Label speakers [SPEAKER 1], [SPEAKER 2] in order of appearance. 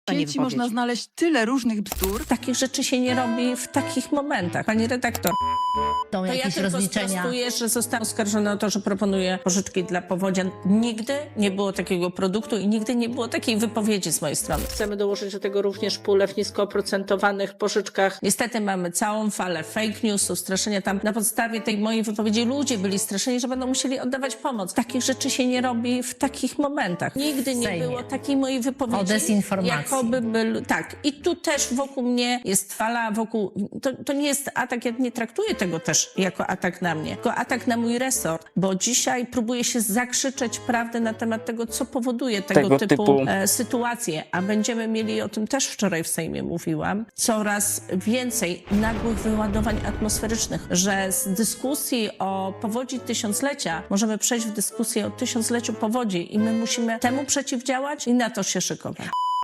[SPEAKER 1] W sieci
[SPEAKER 2] wypowiedź.
[SPEAKER 1] można znaleźć tyle różnych bzdur.
[SPEAKER 3] Takich rzeczy się nie robi w takich momentach. Pani redaktor,
[SPEAKER 2] Są
[SPEAKER 3] to ja
[SPEAKER 2] jakieś
[SPEAKER 3] tylko
[SPEAKER 2] rozliczenia.
[SPEAKER 3] sprostuję, że zostałam oskarżona o to, że proponuję pożyczki dla powodzian. Nigdy nie było takiego produktu i nigdy nie było takiej wypowiedzi z mojej strony. Chcemy dołożyć do tego również pulę w nisko oprocentowanych pożyczkach. Niestety mamy całą falę fake newsów, straszenia tam. Na podstawie tej mojej wypowiedzi ludzie byli straszeni, że będą musieli oddawać pomoc. Takich rzeczy się nie robi w takich momentach. Nigdy nie
[SPEAKER 2] Sejmie.
[SPEAKER 3] było takiej mojej wypowiedzi.
[SPEAKER 2] O dezinformacji.
[SPEAKER 3] Jakoby tak. I tu też wokół mnie jest fala, to nie jest atak, ja nie traktuję tego też jako atak na mnie, tylko atak na mój resort, bo dzisiaj próbuję się zakrzyczeć prawdę na temat tego, co powoduje tego typu sytuacje, a będziemy mieli, o tym też wczoraj w Sejmie mówiłam, coraz więcej nagłych wyładowań atmosferycznych, że z dyskusji o powodzi tysiąclecia możemy przejść w dyskusję o tysiącleciu powodzi i my musimy temu przeciwdziałać i na to się szykować.